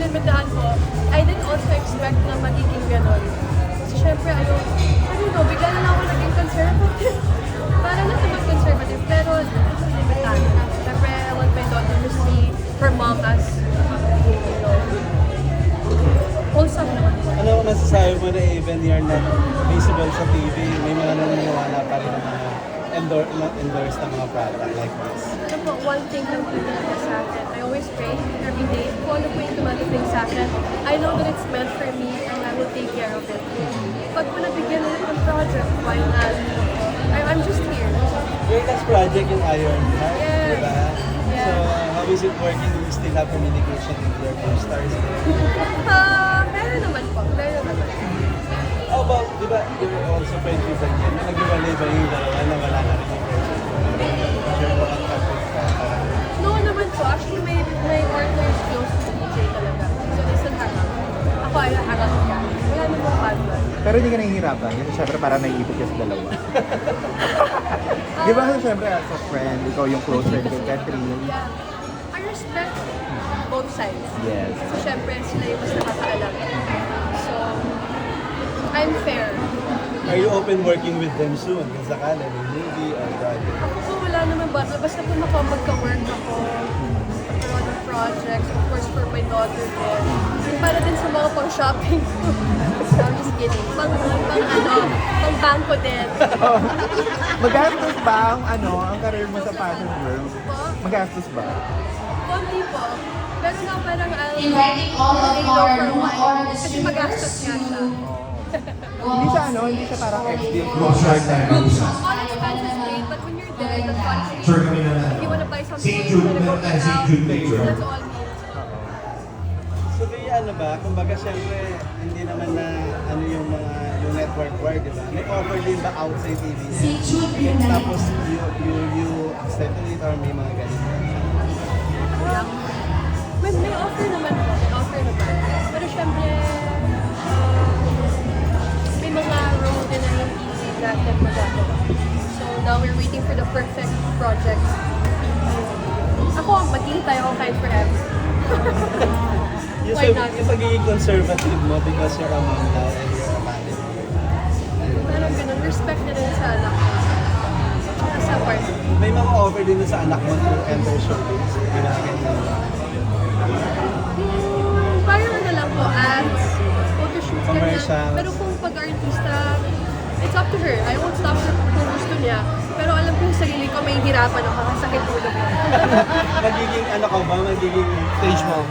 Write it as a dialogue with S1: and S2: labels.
S1: inimbitahan ko, I didn't also expect na magiging gano'n. Kasi syempre, I don't know, bigla na lang ako naging conservative. Para na naman conservative, pero inimbitahan ko. Syempre, I want my daughter to see her mom as, you know, wholesome naman.
S2: Ano masasabi mo na even you're not visible sa TV, may mga naniniwala pa rin na endorse ng mga product like this?
S1: Ano po, one thing lang po talaga sa akin. I always pray every day. Kung ano po yung dumadating sa akin, I know that it's meant for me and I will take care of it. Pag po nabigyan ulit ng project, why not? I'm just here.
S2: Your last project yung Iron Heart,
S1: Yes.
S2: di ba?
S1: Yeah.
S2: So, how is it working? Do you still have communication with your co-stars?
S1: Meron naman po. Meron naman.
S2: How about, di ba, you're also friends with Daniel? Nag-iwalay ba yung dalawa na wala na rin yung person? Sure mo ang kapit ka?
S1: No naman po. Actually, my partner is close to DJ talaga. So, isang hangang. Ako ay hangang niya. Wala namang partner.
S3: Pero hindi ka nahihirapan. Kasi syempre parang naiipit ka sa dalawa. Di ba syempre as a friend, ikaw yung close friend kay Catherine?
S1: Yeah. I respect both sides.
S3: Yes.
S1: So, syempre, sila yung mas nakakaalam. So, I'm fair.
S2: Are you open working with them soon? Kung sakala, may movie or project?
S1: Ako po, wala naman ba? Basta po magka-work ako. Magkaroon ng projects. Of course, for my daughter din. Yung para din sa mga pang-shopping ko. So, I'm just kidding. Pang-bangko din.
S3: Magastos ba ang career mo sa fashion world?
S1: Po,
S3: Magastos ba?
S1: konti po. Pero na parang
S4: Inviting all of
S1: lay low
S4: our
S1: for a
S4: new
S1: while.
S4: orders
S1: Kasi magastos nga siya.
S3: Hindi siya parang ex-deal
S1: All expenses paid, but when you're there, the country, if you wanna buy something, you wanna go eat out, that's all means.
S2: So, kaya ano ba? Kumbaga, syempre, hindi naman na ano yung mga yung network work, di ba? May offer din ba outside TV?
S4: Si Jude
S2: Tapos, you accepted it or may mga ganito?
S1: May offer naman po, may offer naman. Pero syempre, may mga role din na hindi natin magagawa. So now we're waiting for the perfect project. Ako, maghihintay ako kahit forever. Why not?
S2: Yung pagiging conservative mo because you're a mom now and you're a family.
S1: Parang ganun, respect na rin sa anak ko. Tsaka sa partner.
S2: May mga offer din sa anak mo to enter showbiz. Ginagawa mo.
S1: Parang ano lang po, ads, photoshoots, ganyan.
S2: Commercials.
S1: Pero kung pag-artista, it's up to her. I won't stop her kung gusto niya. Pero alam ko yung sarili ko, may hirapan ako, sakit ulo ko.
S2: Magiging ano ka ba? Magiging stage mom?